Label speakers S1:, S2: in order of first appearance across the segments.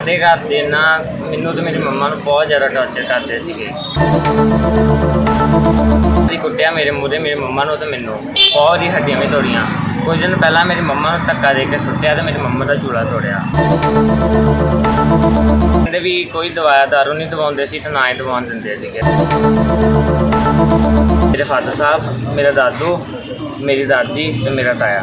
S1: ਸਾਡੇ ਘਰ ਦੇ ਨਾ ਮੈਨੂੰ ਤੇ ਮੇਰੀ ਮੰਮਾ ਨੂੰ ਬਹੁਤ ਜ਼ਿਆਦਾ ਟੌਰਚਰ ਕਰਦੇ ਸੀਗੇ। ਕੁੱਟਿਆ ਮੇਰੇ ਮੂਹਰੇ ਮੇਰੀ ਮੰਮਾ ਨੂੰ ਤੇ ਮੈਨੂੰ ਬਹੁਤ ਹੀ ਹੱਡੀਆਂ ਵੀ ਤੋੜੀਆਂ। ਕੁਝ ਦਿਨ ਪਹਿਲਾਂ ਮੇਰੀ ਮੰਮਾ ਨੂੰ ਧੱਕਾ ਦੇ ਕੇ ਸੁੱਟਿਆ ਤੇ ਮੇਰੀ ਮੰਮਾ ਦਾ ਚੂੜਾ ਤੋੜਿਆ। ਕਹਿੰਦੇ ਵੀ ਕੋਈ ਦਵਾਇਆ ਦਾਰੂ ਨਹੀਂ ਦਵਾਉਂਦੇ ਸੀ ਤੇ ਨਾ ਹੀ ਦਵਾਉਣ ਦਿੰਦੇ ਸੀਗੇ। ਮੇਰੇ ਫਾਦਰ ਸਾਹਿਬ, ਮੇਰਾ ਦਾਦੂ, ਮੇਰੀ ਦਾਦੀ ਤੇ ਮੇਰਾ ਤਾਇਆ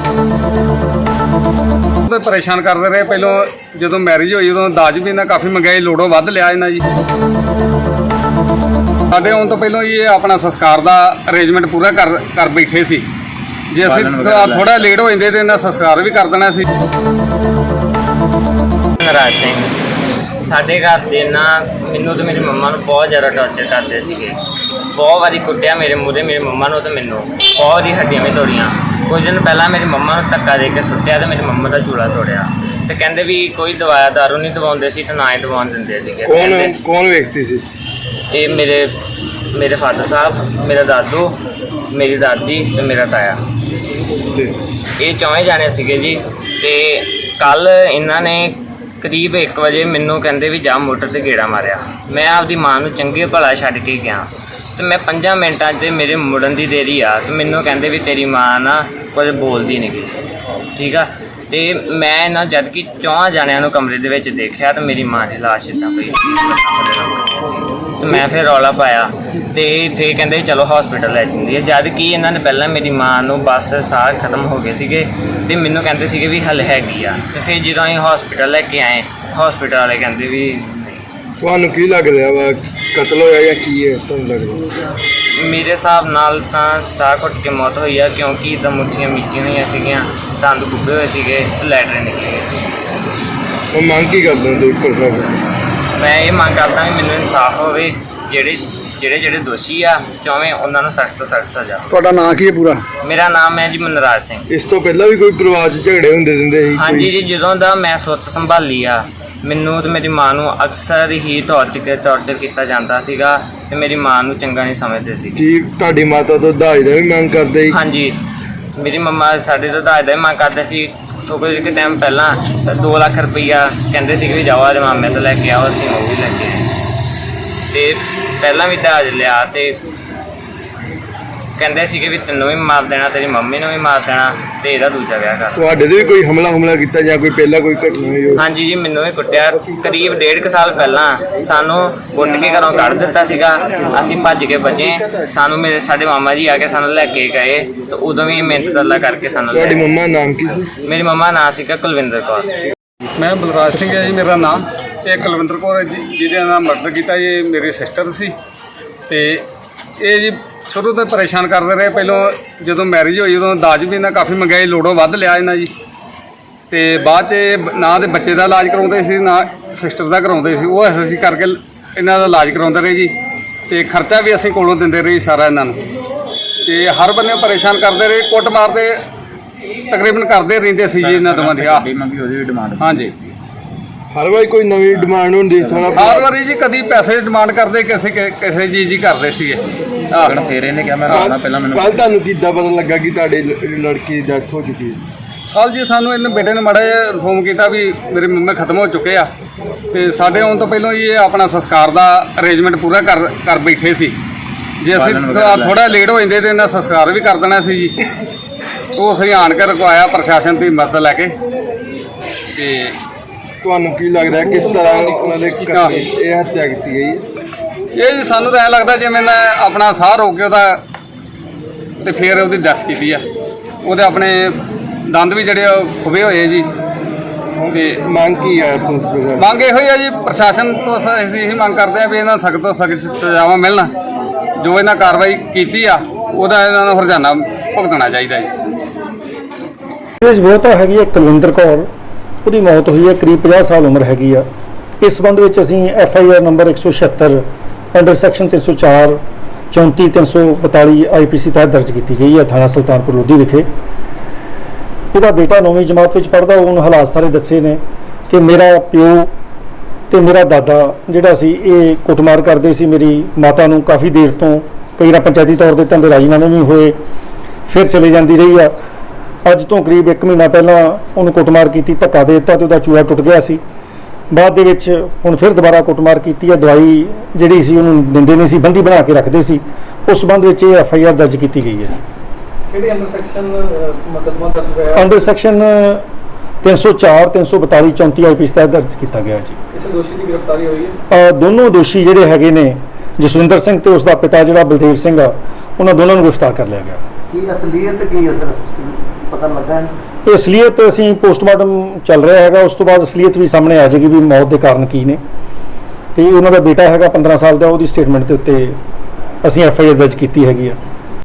S2: ਪਰੇਸ਼ਾਨ ਕਰਦੇ ਰਹੇ। ਪਹਿਲਾਂ ਜਦੋਂ ਮੈਰਿਜ ਹੋਈ ਉਦੋਂ ਦਾਜ ਵੀ ਇਹਨਾਂ ਕਾਫੀ ਮੰਗਿਆ, ਲੋੜੋਂ ਵੱਧ ਲਿਆ ਇਹਨਾਂ ਜੀ। ਸਾਡੇ ਆਉਣ ਤੋਂ ਪਹਿਲਾਂ ਇਹ ਆਪਣਾ ਸੰਸਕਾਰ ਦਾ ਅਰੇਂਜਮੈਂਟ ਪੂਰਾ ਕਰ ਬੈਠੇ ਸੀ। ਜੇ ਅਸੀਂ ਥੋੜਾ ਲੇਟ ਹੋ ਜਾਂਦੇ ਤੇ ਇਹਨਾਂ ਸੰਸਕਾਰ ਵੀ ਕਰ ਦੇਣਾ ਸੀ।
S1: ਨਰਾਜ ਸਿੰਘ ਸਾਡੇ ਘਰ ਦੇ ਨਾ ਮੈਨੂੰ ਤੇ ਮੇਰੀ ਮੰਮਾ ਨੂੰ ਬਹੁਤ ਜ਼ਿਆਦਾ ਟੌਰਚਰ ਕਰਦੇ ਸੀਗੇ। ਬਹੁਤ ਵਾਰੀ ਕੁੱਟਿਆ ਮੇਰੇ ਮੂਹਰੇ ਮੇਰੀ ਮੰਮਾ ਨੂੰ ਤੇ ਮੈਨੂੰ ਬਹੁਤ ਹੀ ਹੱਡੀਆਂ ਵੀ ਤੋੜੀਆਂ। ਕੁਝ ਦਿਨ ਪਹਿਲਾਂ ਮੇਰੀ ਮੰਮਾ ਨੂੰ ਧੱਕਾ ਦੇ ਕੇ ਸੁੱਟਿਆ ਤੇ ਮੇਰੀ ਮੰਮਾ ਦਾ ਚੂੜਾ ਤੋੜਿਆ। ਤੇ ਕਹਿੰਦੇ ਵੀ ਕੋਈ ਦਵਾਇਆ ਦਾਰੂ ਨਹੀਂ ਦਵਾਉਂਦੇ ਸੀ ਤੇ ਨਾ ਹੀ ਦਵਾਉਣ ਦਿੰਦੇ ਸੀਗੇ।
S2: ਕੌਣ ਵੇਖਦੀ ਸੀ?
S1: ਇਹ ਮੇਰੇ ਫਾਦਰ ਸਾਹਿਬ, ਮੇਰਾ ਦਾਦੂ, ਮੇਰੀ ਦਾਦੀ ਤੇ ਮੇਰਾ ਤਾਇਆ, ਇਹ ਚੌਵੇਂ ਜਾਣੇ ਸੀਗੇ ਜੀ। ਤੇ ਕੱਲ ਇਹਨਾਂ ਨੇ ਕਰੀਬ 1 ਵਜੇ ਮੈਨੂੰ ਕਹਿੰਦੇ ਵੀ ਜਾ ਮੋਟਰ ਤੇ ਗੇੜਾ ਮਾਰਿਆ। ਮੈਂ ਆਪਦੀ ਮਾਂ ਨੂੰ ਚੰਗੇ ਭਲਾ ਛੱਡ ਕੇ ਗਿਆ ਤੇ ਮੈਂ 5 ਮਿੰਟਾਂ 'ਚ ਮੇਰੇ ਮੁੜਨ ਦੀ ਦੇਰੀ ਆ ਤੇ ਮੈਨੂੰ ਕਹਿੰਦੇ ਵੀ ਤੇਰੀ ਮਾਂ ਨਾ ਕੁਝ ਬੋਲਦੀ ਨਹੀਂ ਗੀ, ਠੀਕ ਆ। ਤੇ ਮੈਂ ਨਾ ਜਦ ਕਿ 4 ਜਣਿਆਂ ਨੂੰ ਕਮਰੇ ਦੇ ਵਿੱਚ ਦੇਖਿਆ ਤੇ ਮੇਰੀ ਮਾਂ ਦੀ ਲਾਸ਼ ਇੱਦਾਂ ਪਈ ਤੇ ਮੈਂ ਫਿਰ ਰੌਲਾ ਪਾਇਆ ਤੇ ਫਿਰ ਕਹਿੰਦੇ ਚਲੋ ਹਸਪੀਟਲ ਲੈ ਜਾਂਦੀ ਹੈ। ਜਦ ਕਿ ਇਹਨਾਂ ਨੇ ਪਹਿਲਾਂ ਮੇਰੀ ਮਾਂ ਨੂੰ ਬਸ ਸਾਹ ਖਤਮ ਹੋ ਗਏ ਸੀਗੇ ਤੇ ਮੈਨੂੰ ਕਹਿੰਦੇ ਸੀਗੇ ਵੀ ਹੱਲ ਹੈਗੀ ਆ। ਤੇ ਫਿਰ ਜਦੋਂ ਅਸੀਂ ਹਸਪੀਟਲ ਲੈ ਕੇ ਆਏ, ਹਸਪੀਟਲ ਵਾਲੇ ਕਹਿੰਦੇ ਵੀ
S2: ਤੁਹਾਨੂੰ ਕੀ ਲੱਗ ਰਿਹਾ ਵਾ, ਕਤਲ ਹੋਇਆ ਜਾਂ ਕੀ ਹੈ ਤੁਹਾਨੂੰ ਲੱਗਦਾ?
S1: ਮੇਰੇ ਹਿਸਾਬ ਨਾਲ ਤਾਂ ਸਾਹ ਘੁੱਟ ਕੇ ਮੌਤ ਹੋਈ ਆ, ਕਿਉਂਕਿ ਇੱਦਾਂ ਮੁੱਠੀਆਂ ਮੀਚੀਆਂ ਹੋਈਆਂ ਸੀਗੀਆਂ, ਦੰਦ ਕੁੱਬੇ ਹੋਏ ਸੀਗੇ ਤੇ ਲੈਟਰਿਨ ਨਿਕਲੀ ਗਈ ਸੀ।
S2: ਉਹ ਮੰਗ ਕੀ ਕਰਦੇ ਹੋ ਤੁਸੀਂ?
S1: ਮੈਂ ਇਹ ਮੰਗ ਕਰਦਾ ਵੀ ਮੈਨੂੰ ਇਨਸਾਫ ਹੋਵੇ। ਜਿਹੜੇ ਦੋਸ਼ੀ ਆ ਚੌਵੇਂ ਉਹਨਾਂ ਨੂੰ ਸਖਤ ਤੋਂ ਸਖਤ ਸਜ਼ਾ।
S2: ਤੁਹਾਡਾ ਨਾਂ ਕੀ ਹੈ ਪੂਰਾ?
S1: ਮੇਰਾ ਨਾਮ ਹੈ ਜੀ ਮਨਰਾਜ ਸਿੰਘ।
S2: ਇਸ ਤੋਂ ਪਹਿਲਾਂ ਵੀ ਕੋਈ ਪਰਿਵਾਰ 'ਚ ਝਗੜੇ ਹੁੰਦੇ ਰਹਿੰਦੇ ਸੀ?
S1: ਹਾਂਜੀ ਜੀ, ਜਦੋਂ ਦਾ ਮੈਂ ਸੁੱਤ ਸੰਭਾਲੀ ਆ ਮੈਨੂੰ ਤੇ ਮੇਰੀ ਮਾਂ ਨੂੰ ਅਕਸਰ ਹੀ ਟੌਰਚਰ ਕੀਤਾ ਜਾਂਦਾ ਸੀਗਾ ਤੇ ਮੇਰੀ ਮਾਂ ਨੂੰ ਚੰਗਾ ਨਹੀਂ ਸਮਝਦੇ ਸੀ।
S2: ਕੀ ਤੁਹਾਡੀ ਮਾਤਾ ਤੋਂ ਦਾਜ ਦਾ ਵੀ ਮੰਗ ਕਰਦੇ ਸੀ?
S1: ਹਾਂਜੀ, ਮੇਰੀ ਮੰਮਾ ਸਾਡੇ ਤੋਂ ਦਾਜ ਦਾ ਵੀ ਮੰਗ ਕਰਦੇ ਸੀ। ਥੋੜ੍ਹੇ ਜਿਹੇ ਟਾਈਮ ਪਹਿਲਾਂ 2 ਲੱਖ ਰੁਪਈਆ ਕਹਿੰਦੇ ਸੀ ਕਿ ਜਾਓ ਅੱਜ ਮਾਮੇ ਤੋਂ ਲੈ ਕੇ ਆਓ, ਅਸੀਂ ਉਹ ਵੀ ਲੈ ਕੇ ਆਏ। ਤੇ ਪਹਿਲਾਂ ਵੀ ਦਾਜ ਲਿਆ ਤੇ ਕਹਿੰਦੇ ਸੀਗੇ ਵੀ ਤੈਨੂੰ ਵੀ ਮਾਰ ਦੇਣਾ, ਤੇਰੀ ਮੰਮੀ ਨੂੰ ਵੀ ਮਾਰ ਦੇਣਾ ਤੇ ਇਹਦਾ ਦੂਜਾ ਵਿਆਹ ਕਰ।
S2: ਤੁਹਾਡੇ ਤੇ ਵੀ ਕੋਈ ਹਮਲਾ ਕੀਤਾ ਜਾਂ ਕੋਈ ਪਹਿਲਾਂ ਕੋਈ ਘਟਨਾ ਹੋਈ?
S1: ਹਾਂਜੀ ਜੀ, ਮੈਨੂੰ ਵੀ ਕੁੱਟਿਆ। ਕਰੀਬ 1.5 ਸਾਲ ਪਹਿਲਾਂ ਸਾਨੂੰ ਕੁੱਟ ਕੇ ਘਰੋਂ ਕੱਢ ਦਿੱਤਾ ਸੀਗਾ। ਅਸੀਂ ਭੱਜ ਕੇ ਬਚੇ। ਸਾਨੂੰ ਸਾਡੇ ਮਾਮਾ ਜੀ ਆ ਕੇ ਸਾਨੂੰ ਲੈ ਕੇ ਗਏ ਤੇ ਉਦੋਂ ਵੀ ਮਿਹਨਤ ਤਰਲਾ ਕਰਕੇ ਸਾਨੂੰ।
S2: ਤੁਹਾਡੀ ਮੰਮਾ ਦਾ ਨਾਮ ਕੀ ਸੀ?
S1: ਮੇਰੀ ਮੰਮਾ ਦਾ ਨਾਂ ਸੀਗਾ ਕੁਲਵਿੰਦਰ ਕੌਰ।
S2: ਮੈਂ ਬਲਰਾਜ ਸਿੰਘ ਹੈ ਜੀ ਮੇਰਾ ਨਾਮ। ਇਹ ਕੁਲਵਿੰਦਰ ਕੌਰ ਹੈ ਜੀ, ਜਿਹਦੇ ਨਾਲ ਮਰਡਰ ਕੀਤਾ। ਇਹ ਮੇਰੀ ਸਿਸਟਰ ਸੀ ਤੇ ਇਹ ਜੀ ਸ਼ੁਰੂ ਤੋਂ ਪਰੇਸ਼ਾਨ ਕਰਦੇ ਰਹੇ। ਪਹਿਲਾਂ ਜਦੋਂ ਮੈਰਿਜ ਹੋਈ ਉਦੋਂ ਦਾਜ ਵੀ ਇਹਨਾਂ ਕਾਫੀ ਮੰਗਿਆ, ਲੋੜੋਂ ਵੱਧ ਲਿਆ ਇਹਨਾਂ ਜੀ। ਤੇ ਬਾਅਦ 'ਚ ਨਾ ਦੇ ਬੱਚੇ ਦਾ ਇਲਾਜ ਕਰਾਉਂਦੇ ਸੀ ਨਾ ਸਿਸਟਰ ਦਾ ਕਰਾਉਂਦੇ ਸੀ। ਉਹ ਅਸੀਂ ਕਰਕੇ ਇਹਨਾਂ ਦਾ ਇਲਾਜ ਕਰਾਉਂਦੇ ਰਹੇ ਜੀ ਤੇ ਖਰਚਾ ਵੀ ਅਸੀਂ ਕੋਲੋਂ ਦਿੰਦੇ ਰਹੇ ਸਾਰਾ ਇਹਨਾਂ ਨੂੰ। ਤੇ ਹਰ ਬੰਨੇ ਪਰੇਸ਼ਾਨ ਕਰਦੇ ਰਹੇ, ਕੁੱਟ ਮਾਰਦੇ ਤਕਰੀਬਨ ਕਰਦੇ ਰਹਿੰਦੇ ਸੀ ਜੀ ਇਹਨਾਂ ਦੋਵਾਂ ਦੀ। ਹਾਂਜੀ, ਹਰ ਵਾਰੀ ਕੋਈ ਨਵੀਂ ਡਿਮਾਂਡ ਹੁੰਦੀ? ਹਰ ਵਾਰੀ ਜੀ ਕਦੀ ਪੈਸੇ ਦੀ ਡਿਮਾਂਡ ਕਰਦੇ, ਕਿਸੇ ਚੀਜ਼ ਦੀ ਕਰਦੇ ਸੀਗੇ।
S1: ਫਿਰ ਇਹਨੇ ਕਿਹਾ ਮੈਂ ਰਾਣਾ ਪਹਿਲਾਂ ਮੈਨੂੰ।
S2: ਕੱਲ ਤੁਹਾਨੂੰ ਕਿੱਦਾਂ ਪਤਾ ਲੱਗਾ ਕਿ ਤੁਹਾਡੇ ਲੜਕੀ ਦੀ ਡੈਥ ਹੋ ਚੁੱਕੀ ਹੈ? ਕੱਲ ਜੀ ਸਾਨੂੰ ਇਹਨੇ ਬੇਟੇ ਨੇ ਮਾੜਾ ਜਿਹਾ ਇਨਫੋਰਮ ਕੀਤਾ ਵੀ ਮੇਰੇ ਮੰਮੇ ਖਤਮ ਹੋ ਚੁੱਕੇ ਆ ਤੇ ਸਾਡੇ ਆਉਣ ਤੋਂ ਪਹਿਲਾਂ ਇਹ ਆਪਣਾ ਸੰਸਕਾਰ ਦਾ ਅਰੇਂਜਮੈਂਟ ਪੂਰਾ ਕਰ ਬੈਠੇ ਸੀ। ਜੇ ਅਸੀਂ ਥੋੜਾ ਲੇਟ ਹੋ ਜਾਂਦੇ ਤੇ ਇਹਨਾਂ ਸੰਸਕਾਰ ਵੀ ਕਰ ਦੇਣਾ ਸੀ ਜੀ। ਉਹ ਅਸੀਂ ਆਣ ਕੇ ਰੁਕਵਾਇਆ ਪ੍ਰਸ਼ਾਸਨ ਦੀ ਮਦਦ ਲੈ ਕੇ। ਤੇ ਤੁਹਾਨੂੰ ਕੀ ਲੱਗਦਾ ਕਿਸ ਤਰ੍ਹਾਂ ਉਹਨਾਂ ਦੇ ਇਹ ਹੱਤਿਆ ਕੀਤੀ ਗਈ? ਇਹ ਜੀ ਸਾਨੂੰ ਤਾਂ ਐਂ ਲੱਗਦਾ ਜਿਵੇਂ ਮੈਂ ਆਪਣਾ ਸਾਹ ਰੋਕ ਕੇ ਉਹਦਾ ਤੇ ਫਿਰ ਉਹਦੀ ਡੈਥ ਕੀਤੀ ਆ। ਉਹਦੇ ਆਪਣੇ ਦੰਦ ਵੀ ਜਿਹੜੇ ਖੁੱਬੇ ਹੋਏ ਜੀ। ਤੇ ਮੰਗ ਕੀ ਹੈ? ਮੰਗ ਇਹੋ ਹੀ ਆ ਜੀ, ਪ੍ਰਸ਼ਾਸਨ ਤੋਂ ਅਸੀਂ ਇਹੀ ਮੰਗ ਕਰਦੇ ਹਾਂ ਵੀ ਇਹਨਾਂ ਸਖਤ ਤੋਂ ਸਖਤ ਸਜ਼ਾਵਾਂ ਮਿਲਣ। ਜੋ ਇਹਨਾਂ ਕਾਰਵਾਈ ਕੀਤੀ ਆ ਉਹਦਾ ਇਹਨਾਂ ਨੂੰ ਹਰਜਾਨਾ ਭੁਗਤਣਾ ਚਾਹੀਦਾ ਜੀ।
S3: ਉਹ ਤਾਂ ਹੈਗੀ ਹੈ ਕੁਲਵਿੰਦਰ ਕੌਰ, ਉਹਦੀ ਮੌਤ ਹੋਈ ਹੈ, ਕਰੀਬ 50 ਸਾਲ ਉਮਰ ਹੈਗੀ ਆ। ਇਸ ਸੰਬੰਧ ਵਿੱਚ ਅਸੀਂ FIR number 176 under section 304 34 342 IPC ਤਹਿਤ ਦਰਜ ਕੀਤੀ ਗਈ ਹੈ ਥਾਣਾ ਸੁਲਤਾਨਪੁਰ ਲੋਧੀ ਵਿਖੇ। ਉਹਦਾ ਬੇਟਾ 9ਵੀਂ ਜਮਾਤ ਵਿੱਚ ਪੜ੍ਹਦਾ। ਉਹਨੂੰ ਹਾਲਾਤ ਸਾਰੇ ਦੱਸੇ ਨੇ ਕਿ ਮੇਰਾ ਪਿਓ ਤੇ ਮੇਰਾ ਦਾਦਾ ਜਿਹੜਾ ਸੀ ਇਹ ਕੁੱਟਮਾਰ ਕਰਦੇ ਸੀ ਮੇਰੀ ਮਾਤਾ ਨੂੰ ਕਾਫੀ ਦੇਰ ਤੋਂ। ਕਈ ਵਾਰ ਪੰਚਾਇਤੀ ਤੌਰ 'ਤੇ ਤਾਂ ਰਾਜੀਨਾਮੇ ਵੀ ਹੋਏ, ਫਿਰ ਚਲੇ ਜਾਂਦੀ ਰਹੀ ਆ। ਅੱਜ ਤੋਂ ਕਰੀਬ 1 ਮਹੀਨਾ ਪਹਿਲਾਂ ਉਹਨੂੰ ਕੁੱਟਮਾਰ ਕੀਤੀ, ਧੱਕਾ ਦੇ ਦਿੱਤਾ ਤੇ ਉਹਦਾ ਚੂੜਾ ਟੁੱਟ ਗਿਆ ਸੀ। ਬਾਅਦ ਦੇ ਵਿੱਚ ਹੁਣ ਫਿਰ ਦੁਬਾਰਾ ਕੁੱਟਮਾਰ ਕੀਤੀ ਹੈ। ਦਵਾਈ ਜਿਹੜੀ ਸੀ ਉਹਨੂੰ ਦਿੰਦੇ ਨਹੀਂ ਸੀ, ਬੰਦੀ ਬਣਾ ਕੇ ਰੱਖਦੇ ਸੀ। ਉਸ ਸੰਬੰਧ ਵਿੱਚ ਇਹ FIR ਦਰਜ ਕੀਤੀ ਗਈ ਹੈ।
S2: ਕਿਹੜੇ ਅੰਡਰ ਸੈਕਸ਼ਨ ਮੁਕੱਦਮਾ ਦਰਜ ਹੋਇਆ?
S3: ਅੰਡਰ ਸੈਕਸ਼ਨ 304 342 34 IPC ਤਹਿਤ ਦਰਜ ਕੀਤਾ ਗਿਆ ਜੀ।
S2: ਕਿਸੇ ਦੋਸ਼ੀ ਦੀ ਗ੍ਰਿਫਤਾਰੀ ਹੋਈ ਹੈ?
S3: ਦੋਨੋਂ ਦੋਸ਼ੀ ਜਿਹੜੇ ਹੈਗੇ ਨੇ, ਜਸਵਿੰਦਰ ਸਿੰਘ ਤੇ ਉਸ ਦਾ ਪਿਤਾ ਜਿਹੜਾ ਬਲਦੇਵ ਸਿੰਘ ਆ, ਉਹਨਾਂ ਦੋਨਾਂ ਨੂੰ ਗ੍ਰਿਫਤਾਰ ਕਰ ਲਿਆ ਗਿਆ।
S4: ਕੀ ਅਸਲੀਅਤ ਕੀ ਹੈ ਸਰ, ਪਤਾ ਲੱਗਾ ਹੈ?
S3: ਇਹ ਅਸਲੀਅਤ ਅਸੀਂ ਪੋਸਟਮਾਰਟਮ ਚੱਲ ਰਿਹਾ ਹੈਗਾ, ਉਸ ਤੋਂ ਬਾਅਦ ਅਸਲੀਅਤ ਵੀ ਸਾਹਮਣੇ ਆ ਜਾਏਗੀ ਵੀ ਮੌਤ ਦੇ ਕਾਰਨ ਕੀ ਨੇ। ਤੇ ਉਹਨਾਂ ਦਾ ਬੇਟਾ ਹੈਗਾ 15 ਸਾਲ ਦਾ, ਉਹਦੀ ਸਟੇਟਮੈਂਟ ਦੇ ਉੱਤੇ ਅਸੀਂ FIR ਦਰਜ ਕੀਤੀ ਹੈਗੀ ਆ।